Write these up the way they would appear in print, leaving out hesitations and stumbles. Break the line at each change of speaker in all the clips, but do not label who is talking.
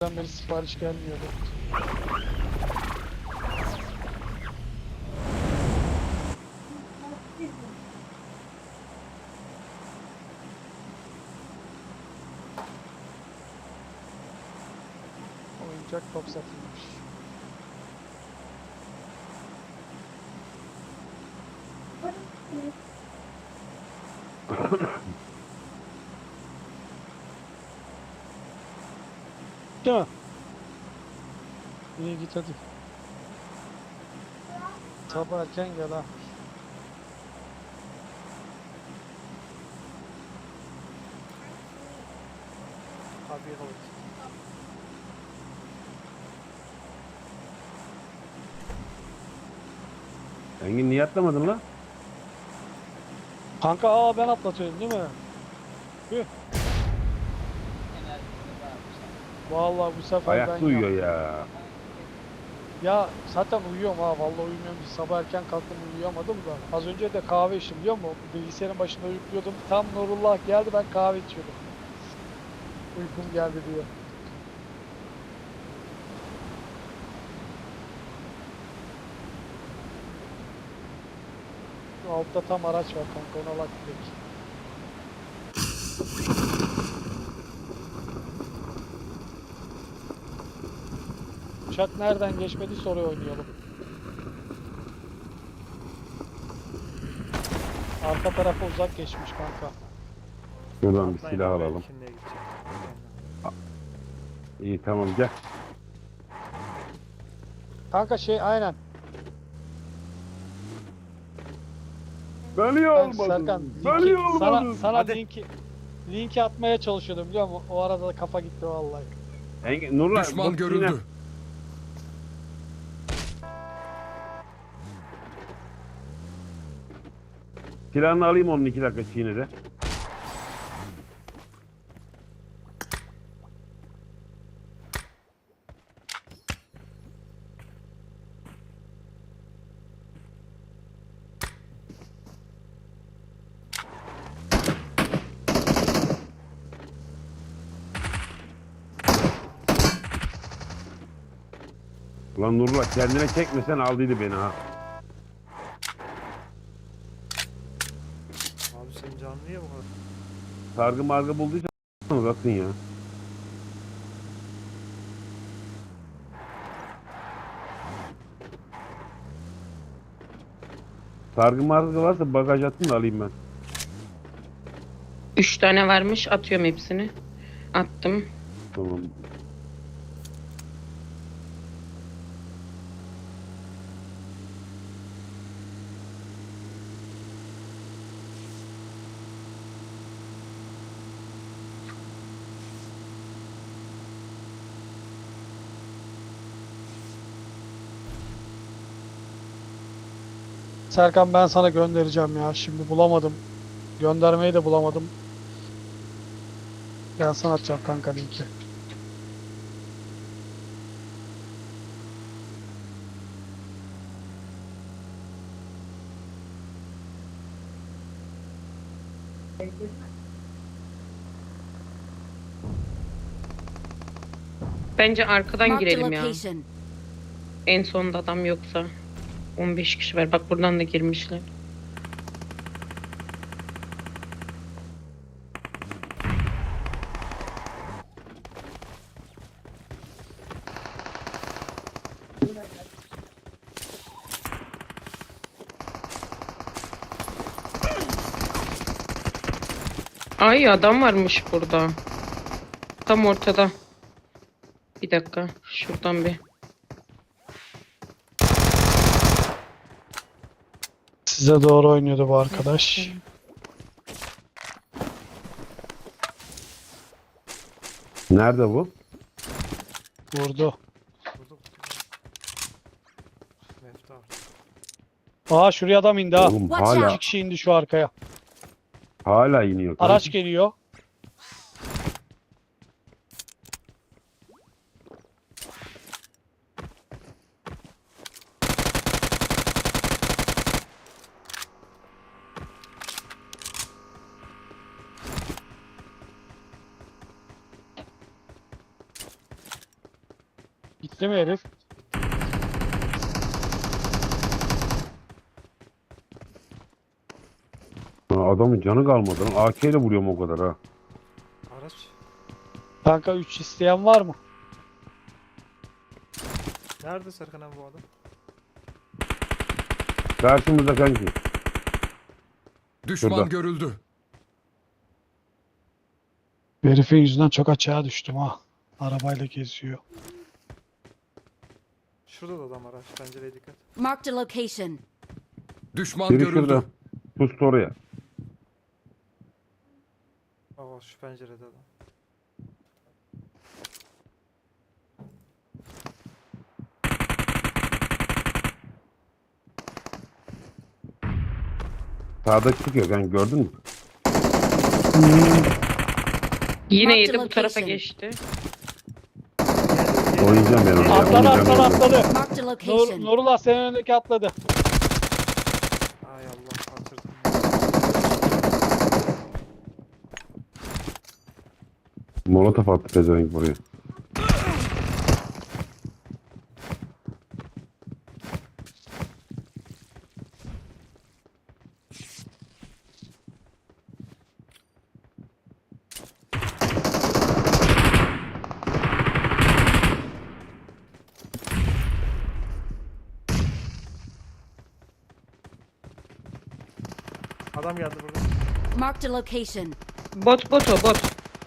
beri sipariş gelmiyordu. Oyuncak top satılmış. Değil mi? İyi git hadi. Sabah erken gel ha.
Abi hold.
Engin niye atlamadın lan?
Kanka ben atlatıyorum değil mi? Tüh. Vallahi bu sefer ben
Ayakta uyuyor
yaptım.
ya.
Ya zaten uyuyorum ha. Vallahi uyumuyorum. Sabah erken kalktım uyuyamadım da. Az önce de kahve içtim biliyor musun? Bilgisayarın başında uyukluyordum. Tam Nurullah geldi ben kahve içiyordum. Uykum geldi diye. Şu altta tam araç var kanka ona bak direkt. Uçak nereden geçmediyse oraya oynayalım. Arka tarafa uzak geçmiş kanka.
Şuradan bir
Atlayın
silah
abi,
alalım.
Şimdiye gideceğim.
İyi tamam gel.
Kanka aynen.
Ben niye
Ben
olmadım?
Serkan
Ben niye
sana
olmadım?
sana
Hadi.
linki atmaya çalışıyordum biliyor musun? O arada da kafa gitti vallahi.
Engin, Nurla,
Düşman
bot
görüldü.
yine- Silahını alayım onun 2 dakika çiğnede. Ulan Nurla kendine çekmesen aldıydı beni ha.
Abi senin canın niye bu kadar?
Sargı margı bulduysa atın ya. Sargı margı varsa bagaj atın da alayım ben.
3 tane varmış. Atıyorum hepsini. Attım.
Tamam.
Serkan ben sana göndereceğim ya. Şimdi bulamadım. Göndermeyi de bulamadım. Ben sana atacağım kanka linki.
Bence arkadan
Marked a
girelim ya.
location.
En sonda adam yoksa. 15 kişi var. Bak buradan da girmişler. Ay adam varmış burada. Tam ortada. Bir dakika. Şuradan bir.
Size doğru oynuyordu bu arkadaş.
Nerede bu?
Vurdu.
Burada Mefta abi.
Aa şuraya adam indi ha.
Oğlum
Watch
hala
İki kişi indi şu arkaya.
hala iniyor. kanka.
Araç geliyor. Gitti mi herif?
Adamın canı kalmadı lan. AK ile vuruyorum o kadar ha.
Araç.
Kanka 3 isteyen var mı?
Nerede Serkan abi bu adam?
Karşımızda kanki.
Düşman
Şurada.
görüldü.
Herifin yüzünden çok açığa düştüm ha. Arabayla geziyor.
Şurada da adam araç. Pencereye dikkat.
Marked a location.
Düşman
Biri
görüldü.
şurada. Pustu oraya.
Aa şu pencerede adam.
Sağda çıkıyor kanka, gördün mü?
Yine
Marked
yedi bu tarafa
location.
geçti.
Oynayacağım ben onu.
Atladı atladı atladı.
Marked a
Nur,
location.
Nurullah senin önündeki atladı.
Ay Allah kaçırdım.
Molotof attı pezevenk buraya.
Adam geldi burada.
Marked a location.
Bot bot o bot.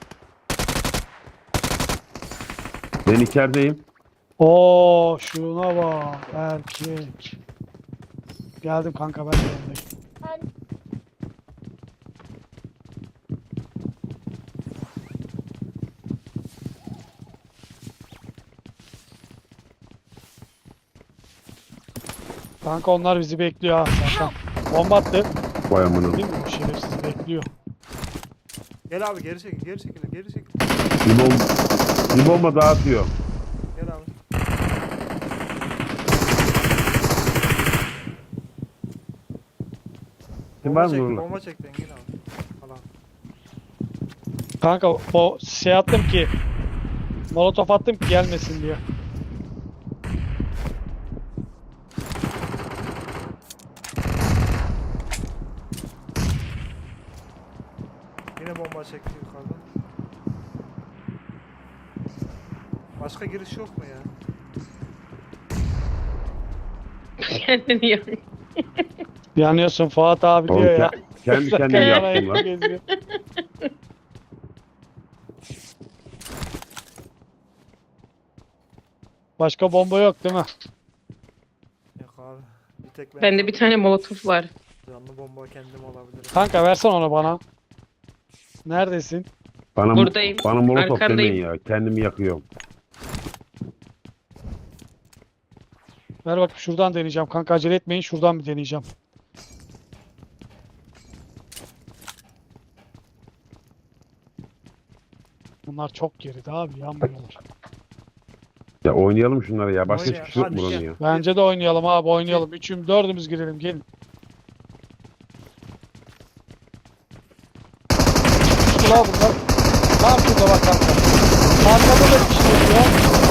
Ben içerideyim.
Oo şuna bak erkek. Geldim kanka ben de yanındayım. Kanka onlar bizi bekliyor ha zaten. Bomba attı.
Vay amına.
Değil mi? Bu şerefsiz bekliyor.
Gel abi geri çekil. Geri çekil. Geri çekil.
Bir bomba daha atıyor.
Gel abi.
Kim var mı
çek,
Nurullah?
bomba çekti Engin abi. Allah.
Kanka o şey attım ki molotof attım ki gelmesin diye.
Yine bomba çekti yukarıdan. Başka giriş yok mu ya?
Kendini yak.
Yanıyorsun Fuat abi
Oğlum,
diyor ya.
kendi kendime yaptım lan.
Geziyor. Başka bomba yok değil mi?
Yok abi. Bir tek ben.
Bende bir tane molotof var.
Canlı bomba kendim olabilirim.
Kanka versen onu bana. Neredesin?
Bana,
Buradayım.
bana molotof
Arkandayım.
demeyin ya. Kendimi yakıyorum.
Ver bak şuradan deneyeceğim. Kanka acele etmeyin şuradan bir deneyeceğim. Bunlar çok geride abi yanmıyorlar.
Ya oynayalım şunları ya. Başka
Oyna,
hiçbir şey yok mu
hadi.
buranın ya?
Bence de oynayalım abi oynayalım. Üçüm dördümüz girelim gelin. Şurada bunlar. Tam şurada bak kanka. Arkada da bir şey oluyor.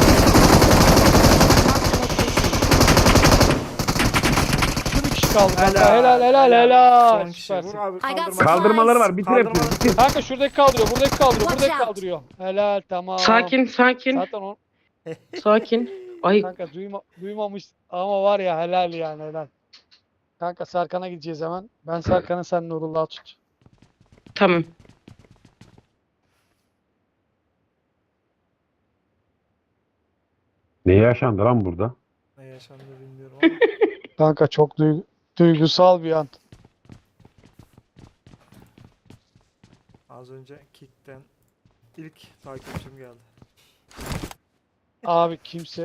Şu bir kişi kaldı kanka. Helal helal helal.
Son kişi. Vur
Süpersin.
abi
I got
kaldırma.
Kaldırmaları var. Bitir hepsini.
Kaldırmalar.
Bitir.
Kanka şuradaki kaldırıyor, buradaki kaldırıyor,
Watch
buradaki
out.
kaldırıyor. Helal tamam.
Sakin sakin.
Zaten o
Sakin. Ay
kanka duymamış ama var ya helal yani helal. Kanka Serkan'a gideceğiz hemen. Ben Serkan'ı sen Nurullah'ı tut.
tamam.
Ne yaşandı lan burada?
Ne yaşandı bilmiyorum ama.
Kanka çok duygusal bir an.
Az önce Kick'ten ilk takipçim geldi.
Abi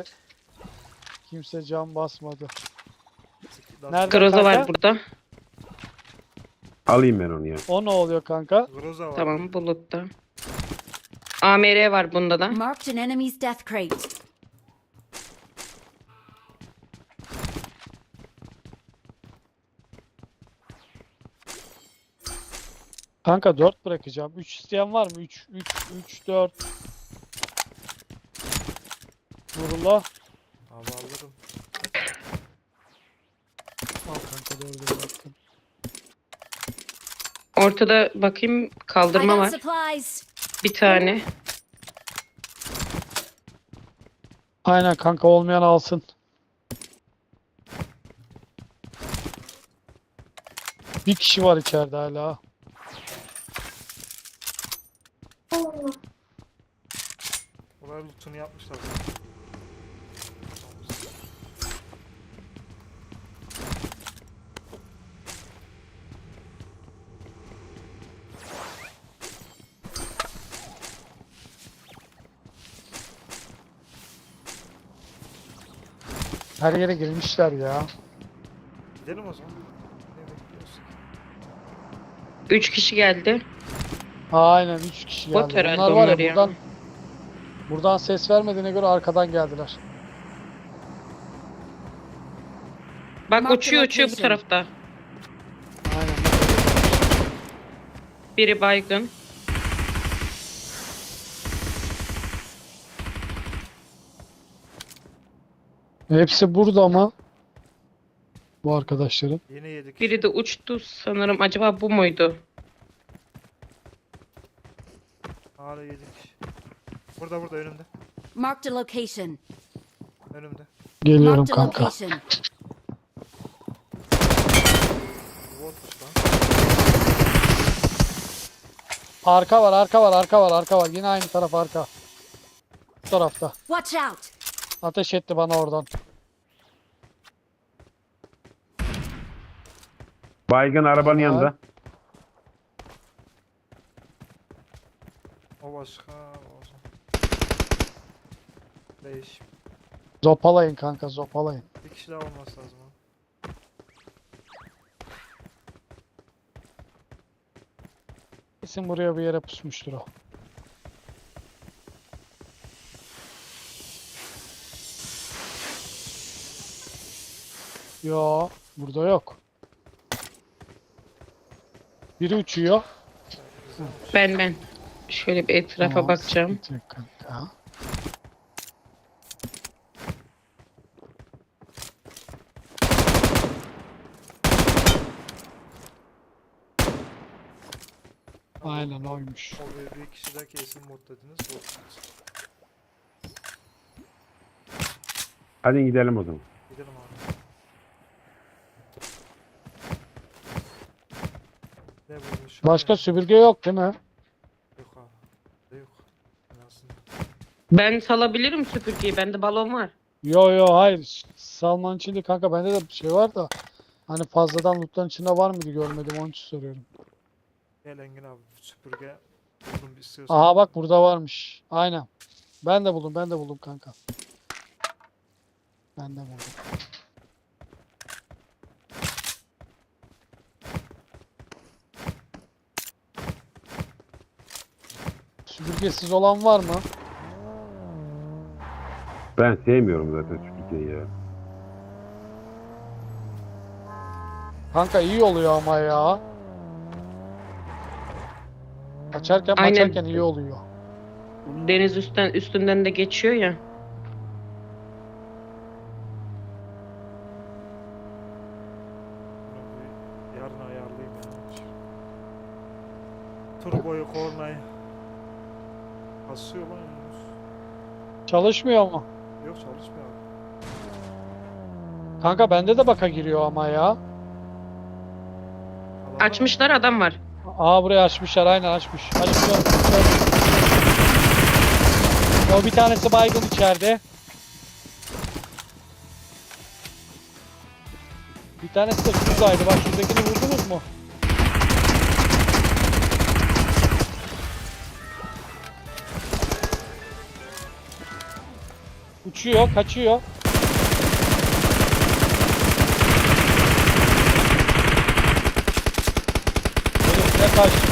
kimse can basmadı. Nerede
Groza
kanka?
var burada.
Alayım ben onu ya.
O ne oluyor kanka?
Groza var.
Tamam bulutta. AMR var bunda da.
Marked an enemy's death crate.
Kanka 4 bırakacağım. 3 isteyen var mı? 3 4. Nurullah.
Abi alırım.
Al kanka doğru bir baktım.
Ortada bakayım
I
kaldırma
got
var.
supplies.
Bir tane.
Aynen kanka olmayan alsın. Bir kişi var içeride hala.
Buraya lootunu yapmışlar.
Her yere girmişler ya.
Gidelim o zaman. Ne bekliyorsun?
3 kişi geldi.
Aynen 3 kişi
Bot
geldi.
herhalde
Bunlar var
onlar
ya
ya.
buradan ses vermediğine göre arkadan geldiler.
Bak
Mark the
uçuyor bu
location.
tarafta.
Aynen.
Biri baygın.
Hepsi burada ama bu arkadaşların.
Yine yedik.
Biri de uçtu sanırım. Acaba bu muydu?
Hala yedik. Burada önümde.
Marked a location.
Önümde.
Geliyorum
Marked a
kanka.
location.
Botmuş lan.
Arka var, arka var, arka var, arka var. Yine aynı taraf arka. Bu tarafta.
Watch out.
Ateş etti bana oradan.
Baygın arabanın yanında.
O başka. O zaman. 5.
Zopalayın kanka, zopalayın.
Bir kişi daha olması lazım. Ha.
Kesin buraya bir yere pusmuştur o. Yo, burada yok. Biri uçuyor.
Ben. Şöyle bir etrafa
Tamam,
bakacağım.
sıkıntı yok kanka. Aynen oymuş.
O bir kişi daha kesin mod dediniz. Bot.
Hadi gidelim o zaman.
Gidelim abi. Ne bulmuş?
Başka süpürge yok değil mi?
Yok abi. Yok. En azından.
Ben salabilirim süpürgeyi. Bende balon var.
Yo hayır. Salman içinde kanka bende de bir şey var da. Hani fazladan lootların içinde var mıydı görmedim onun için soruyorum.
Gel Engin abi. Süpürge buldum bir istiyorsan.
Aha bak burada varmış. Aynen. Ben de buldum kanka. Ben de buldum. Süpürgesiz olan var mı?
Ben sevmiyorum zaten Türkiye'yi ya.
Kanka iyi oluyor ama ya. Açarken
Aynen.
açarken iyi oluyor.
Deniz üstünden de geçiyor ya.
Bunu bir yarın ayarlayayım ya. Turboyu kornayı. Basıyor lan Yunus.
Çalışmıyor mu?
Yok çalışmıyor abi.
Kanka bende de baka giriyor ama ya.
Adamlar-
Açmışlar, adam var.
Aa burayı açmışlar aynen açmış. Açmışlar. O bir tanesi baygın içeride. Bir tanesi de şuradaydı. Bak şuradakini vurdunuz mu? Uçuyor, kaçıyor. Herif ne kaçtı?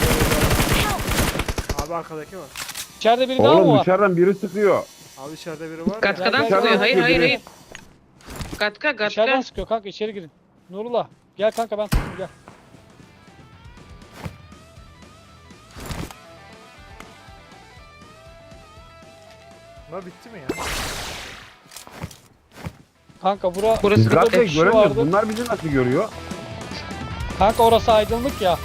Abi arkadaki var.
İçeride biri daha mı
Oğlum
var?
dışarıdan biri sıkıyor.
Abi içeride biri var ya.
Gatkadan
Gel, gel,
sıkıyor.
gel.
Hayır hayır hayır. Gatka
İçeriden
gatka.
sıkıyor kanka içeri girin. Nurullah gel kanka ben tutayım gel.
Bunlar bitti mi ya?
Kanka
Burası
Biz
burada
zaten
bir kişi
göremiyoruz.
vardı.
Bunlar bizi nasıl görüyor?
Kanka orası aydınlık ya.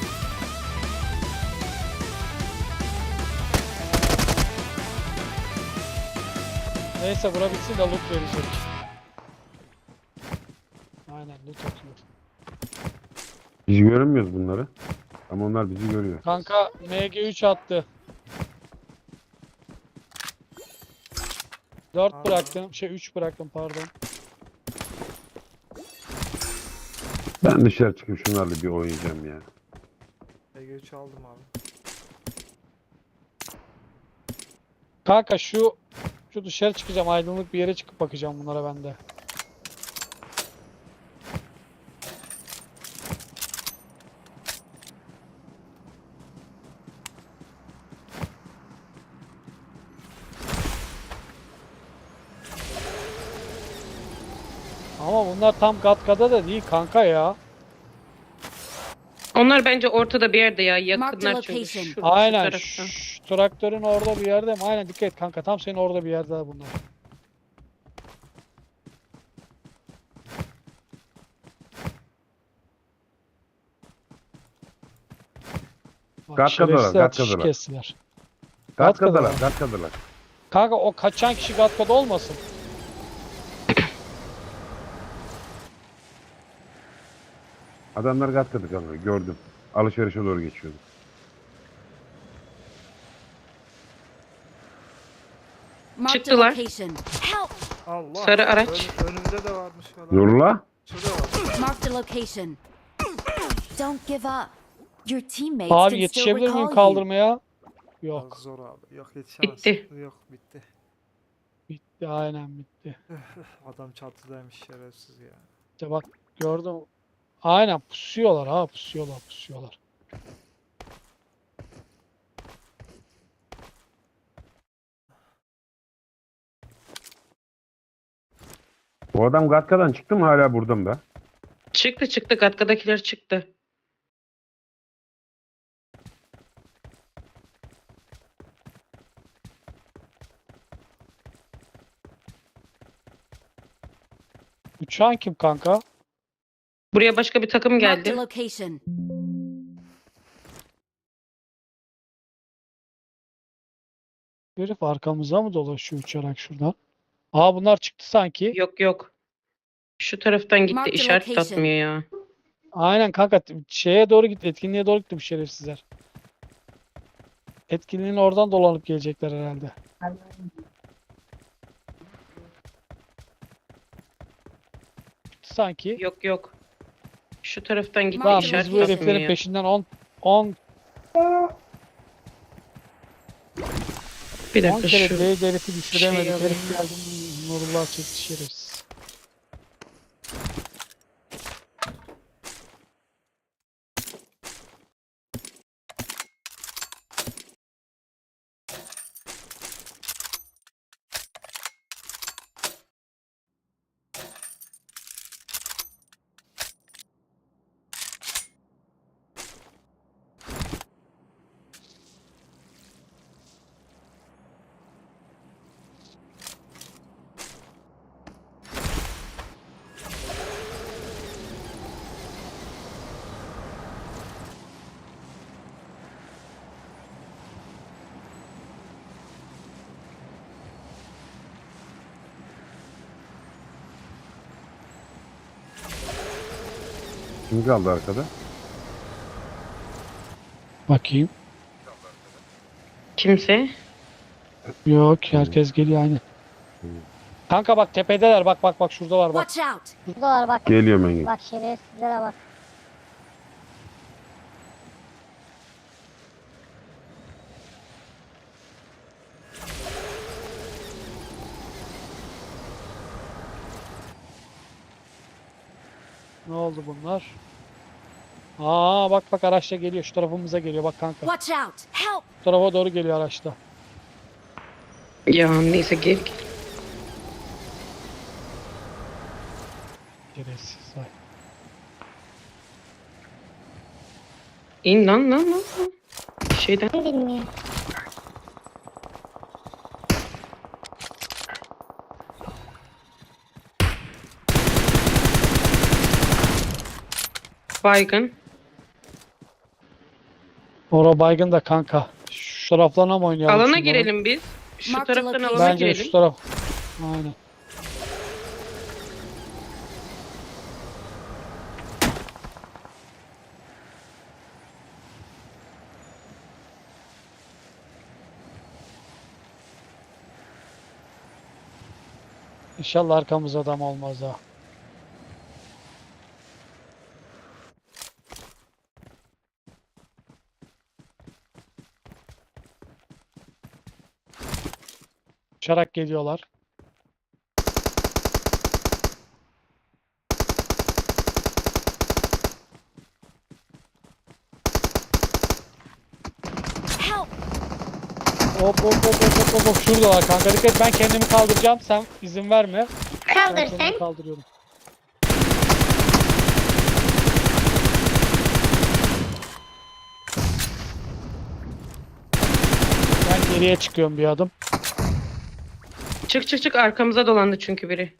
Neyse bura bitsin de loot verecek. Aynen loot atıyor.
Biz göremiyoruz bunları. Ama onlar bizi görüyor.
Kanka MG3 attı. 4
Aa.
bıraktım. 3 bıraktım pardon.
Ben dışarı çıkıp şunlarla bir oynayacağım ya.
EG3 aldım abi.
Kanka şu dışarı çıkacağım. Aydınlık bir yere çıkıp bakacağım bunlara ben de. Ama bunlar tam Gatka'da da değil kanka ya.
Onlar bence ortada bir yerde ya.
Marked
Yakınlar çünkü
location.
şurada, şu
Aynen.
tarafta.
Traktörün orada bir yerde mi? Aynen dikkat et kanka. Tam senin orada bir yerde bunlar. Bak,
Gatka'dalar,
şerefsizler atış
Gatka'dalar.
kestiler.
Gatka'dalar, Gatka'dalar.
Kanka o kaçan kişi Gatka'da olmasın?
Adamlar Gatka'da kanka gördüm. Alışverişe doğru geçiyordu.
Marked a
Çıktılar.
location. Help!
Allah.
Sarı araç.
Önümde de varmış falan.
Nurullah.
Şurada var.
Marked a location. Don't give up. Your teammates
Abi
can still
yetişebilir miyim
recall you.
kaldırmaya?
Biraz
Yok.
zor abi. Yok yetişemez.
Bitti.
Yok bitti.
Bitti aynen bitti.
Adam çatıdaymış şerefsiz ya.
İşte bak gördüm. Aynen pusuyorlar ha pusuyorlar.
Bu adam Gatka'dan çıktı mı hala burada mı da?
Çıktı. Gatka'dakiler çıktı.
Uçağın kim kanka?
Buraya başka bir takım
Marked a
geldi.
location.
Herif arkamıza mı dolaşıyor uçarak şuradan? Aa bunlar çıktı sanki.
Yok. Şu taraftan gitti.
Marked
İşaret
location.
atmıyor ya.
Aynen kanka şeye doğru gitti. Etkinliğe doğru gitti bu şerefsizler. Etkinliğin oradan dolanıp gelecekler herhalde. Çıktı sanki.
Yok. Şu taraftan gitti.
Tamam,
Tamam
İşaret
biz bu
atmıyor
heriflerin
ya.
peşinden 10
Bir
10
dakika
kere
şu.
bile herifi düşüremedik.
şey
Herif geldi Nurullah çekti şerefsiz.
Kim kaldı arkada?
Bakayım.
Kimse.
Yok herkes geliyor aynı. Kanka bak tepedeler bak şuradalar bak.
Watch out!
Buradalar bak.
Geliyorum ben.
Bak şerefsizlere bak.
Ne oldu bunlar? Aa bak araçla geliyor şu tarafımıza geliyor bak kanka.
Watch out! Help!
Bu tarafa doğru geliyor araçta.
Ya neyse gel.
Şerefsiz vay.
İn lan. Şeyden.
Ne bileyim.
Baygın.
Ora baygın da kanka. Şu taraflarına mı oynayalım?
Alana
şunları?
girelim biz. Şu
Mark the
taraftan
location.
alana
Bence de şu
girelim.
taraf. Aynen. İnşallah arkamızda adam olmaz ha. Uçarak geliyorlar.
Help!
Hop hop hop hop hop hop. Şuradalar kanka. Dikkat et, ben kendimi kaldıracağım. Sen izin verme. Ben
Kaldır
kendimi
sen.
kaldırıyorum. Ben geriye çıkıyorum bir adım.
Çık çık çık, arkamıza dolandı çünkü biri.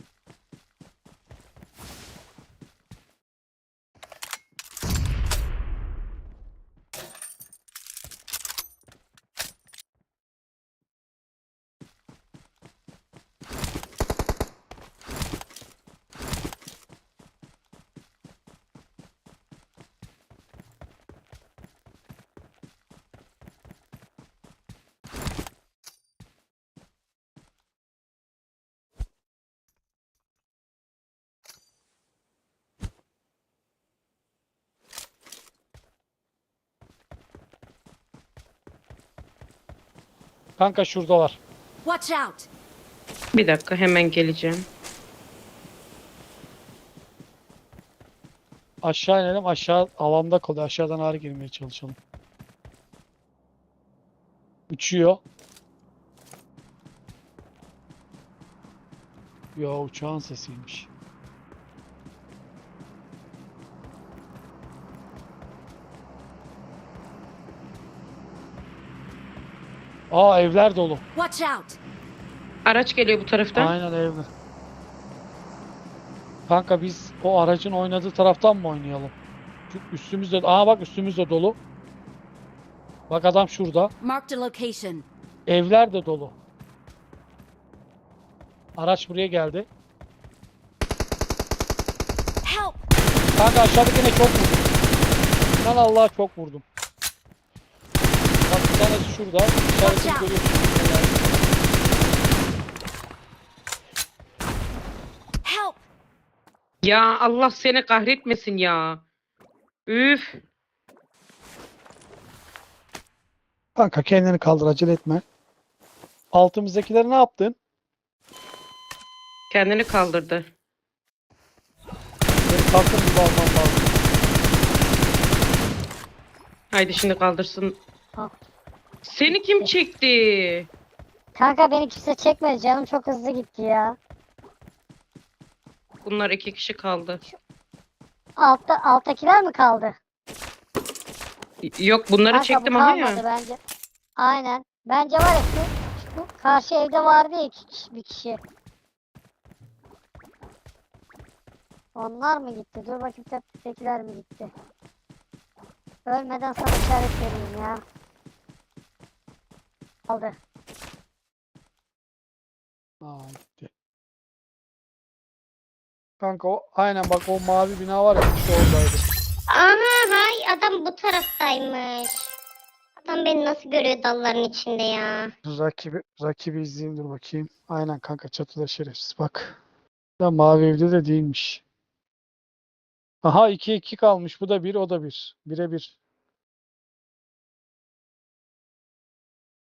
Kanka şuradalar.
Watch out!
Bir dakika, hemen geleceğim.
Aşağı inelim. Aşağı alanda kalıyor. Aşağıdan ağrı girmeye çalışalım. Uçuyor. Yo, uçağın sesiymiş. Aa, evler dolu.
Watch out!
Araç geliyor bu taraftan.
Aynen, evler. Kanka biz o aracın oynadığı taraftan mı oynayalım? Çünkü üstümüzde, bak üstümüzde dolu. Bak adam şurada.
Marked a location.
Evler de dolu. Araç buraya geldi.
Help!
Kanka aşağıdakine çok vurdum. Ben Allah'a çok vurdum. Bak bir tanesi şurada. İşaretini
out.
görüyorsun.
Help!
Ya Allah seni kahretmesin ya. Üf.
Kanka kendini kaldır, acele etme. Altımızdakileri ne yaptın?
Kendini kaldırdı.
Beni kalktım gibi almam lazım.
Haydi şimdi kaldırsın.
Ah.
Seni kim çekti?
Kanka beni kimse çekmedi. Canım çok hızlı gitti ya.
Bunlar 2 kişi kaldı.
Alttakiler mi kaldı?
Yok, bunları
Kanka,
çektim
bu
ama
kalmadı
ya.
bence. Aynen. Bence var ya şu karşı evde vardı ya bir kişi. Onlar mı gitti? Dur bakayım tepedekiler mi gitti? Ölmeden sana işaret vereyim ya. Aldı.
Aa, gitti. Kanka aynen bak, o mavi bina var ya, işte oradaydı.
Aha, hay adam bu taraftaymış. Adam beni nasıl görüyor dalların içinde ya.
Rakibi izleyeyim, dur bakayım. Aynen kanka, çatıda şerefsiz bak. Da mavi evde de değilmiş. Aha, 2-2 kalmış. Bu da 1, o da 1. 1'e 1.